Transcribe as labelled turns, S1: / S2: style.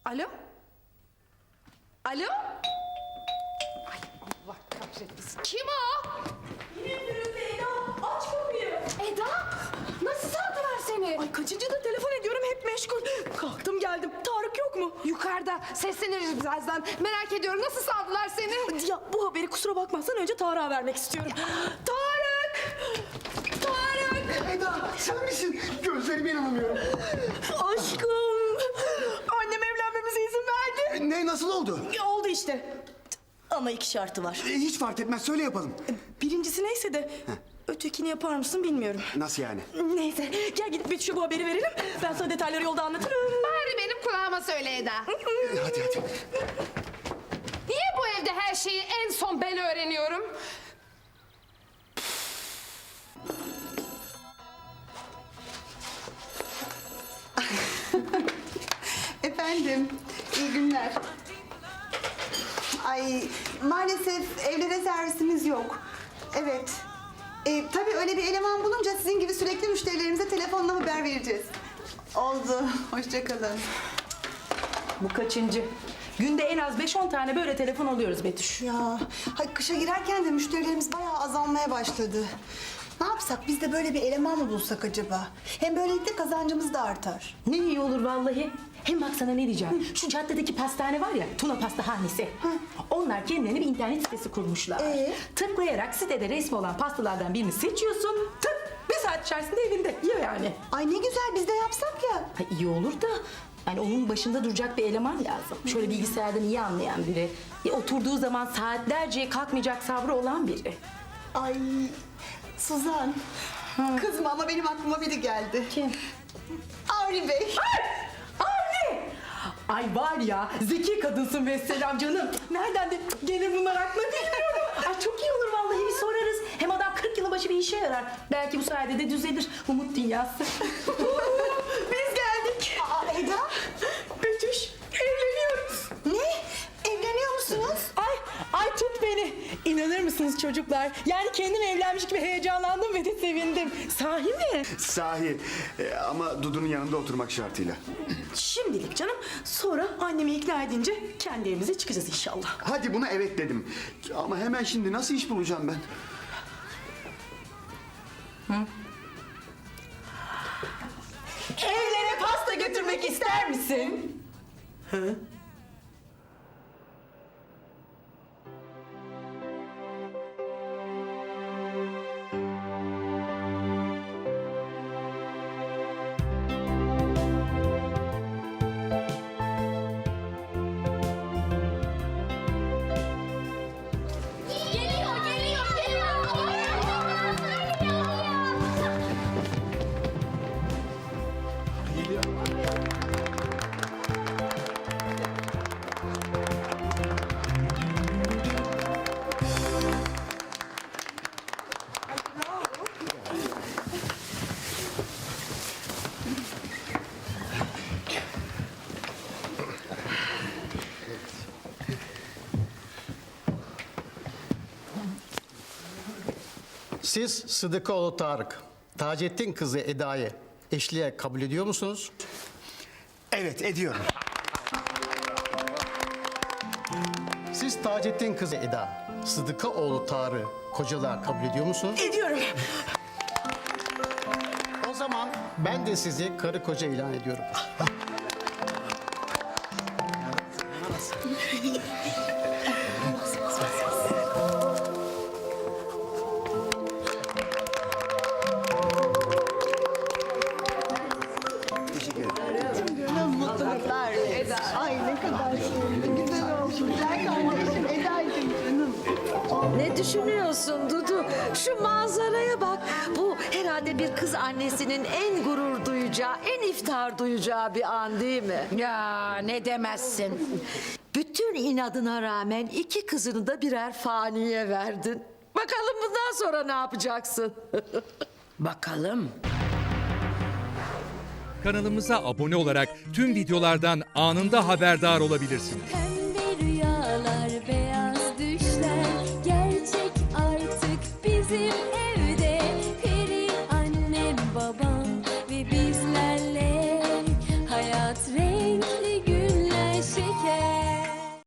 S1: Alo? Alo? Ay Allah kahretsin. Kim o?
S2: Yine Firuze, Eda. Aç kapıyı.
S1: Eda? Nasıl saldılar seni?
S2: Ay kaçıncı da telefon ediyorum, hep meşgul. Kalktım geldim. Tarık yok mu?
S1: Yukarıda. Sesleniriz birazdan. Merak ediyorum, nasıl saldılar seni?
S2: Ya bu haberi kusura bakmazsan önce Tarık'a vermek istiyorum. Tarık! Tarık!
S3: Eda sen misin? Gözlerime inanamıyorum.
S2: Aşkım! Annem evlenmemize izin verdi.
S3: Ne nasıl oldu?
S2: Ya oldu işte. Ama iki şartı var.
S3: Hiç fark etmez söyle yapalım.
S2: Birincisi neyse de ötekini yapar mısın bilmiyorum.
S3: Nasıl yani?
S2: Neyse gel gidip Betüş'e bu haberi verelim. Ben sana detayları yolda anlatırım.
S1: Bari benim kulağıma söyle Eda.
S3: Hadi.
S1: Niye bu evde her şeyi en son ben öğreniyorum?
S4: Efendim, iyi günler. Ay, maalesef evlere servisimiz yok. Evet. Tabii öyle bir eleman bulunca sizin gibi sürekli müşterilerimize telefonla haber vereceğiz. Oldu, hoşça kalın.
S2: Bu kaçıncı? Günde en az 5-10 tane böyle telefon alıyoruz Betüş.
S4: Ya, kışa girerken de müşterilerimiz bayağı azalmaya başladı. Ne yapsak, biz de böyle bir eleman mı bulsak acaba? Hem böylelikle kazancımız da artar.
S2: Ne iyi olur vallahi. Hem bak sana ne diyeceğim. Şu caddedeki pastane var ya, Tuna Pastahanesi. Onlar kendilerine bir internet sitesi kurmuşlar. Tıklayarak sitede resmi olan pastalardan birini seçiyorsun. Tık! Bir saat içerisinde evinde. Yiyor yani.
S4: Ay ne güzel, biz de yapsak ya.
S2: Ha, iyi olur da yani onun başında duracak bir eleman lazım. Şöyle bilgisayardan iyi anlayan biri. Oturduğu zaman saatlerce kalkmayacak sabrı olan biri.
S4: Ay, Suzan. Kızma ama benim aklıma biri geldi.
S2: Kim?
S4: Avni Bey.
S2: Avni! Ay var ya, zeki kadınsın vesselam canım. Nereden de gelir bunlar aklına bilmiyorum. Ay çok iyi olur vallahi, bir sorarız. Hem adam 40 yılı başı bir işe yarar. Belki bu sayede de düzelir. Umut dünyası. Biz geldik.
S4: Eda.
S2: Betüş, evleniyoruz.
S4: Ne? Evleniyor musunuz?
S2: Ay tut beni. İnanır mısınız çocuklar? Yani kendim evlenmiş gibi heyecanlandım ve de sevindim. Sahi mi?
S3: Sahi ama Dudu'nun yanında oturmak şartıyla.
S2: Şimdilik canım. Sonra annemi ikna edince kendi evimize çıkacağız inşallah.
S3: Hadi buna evet dedim. Ama hemen şimdi nasıl iş bulacağım ben?
S2: Evlere pasta götürmek ister misin? Hı?
S5: Geliyor.
S6: Siz Sıdıkoğlu Tarık, Taceddin kızı Eda'yı eşliğe kabul ediyor musunuz?
S3: Evet ediyorum.
S6: Siz Taceddin kızı Eda, Sıdıkoğlu Tarık'ı kocalığa kabul ediyor musunuz?
S2: Ediyorum.
S6: O zaman ben de sizi karı koca ilan ediyorum.
S3: Teşekkür ederim.
S4: Mutluluklar. Eda. Ay ne kadar sevimli, güzel olmuş. Güzel kardeşim Eda'ydım canım.
S7: Ne düşünüyorsun Dudu? Şu manzaraya bak. Bu herhalde bir kız annesinin en gurur duyacağı, en iftihar duyacağı bir an değil mi?
S8: Ya ne demezsin.
S7: Bütün inadına rağmen iki kızını da birer faniye verdin. Bakalım bundan sonra ne yapacaksın?
S8: Bakalım.
S9: Kanalımıza abone olarak tüm videolardan anında haberdar olabilirsiniz.
S5: Pembe rüyalar, beyaz düşler gerçek artık bizim evde. Peri annem, babam ve bizlerle hayat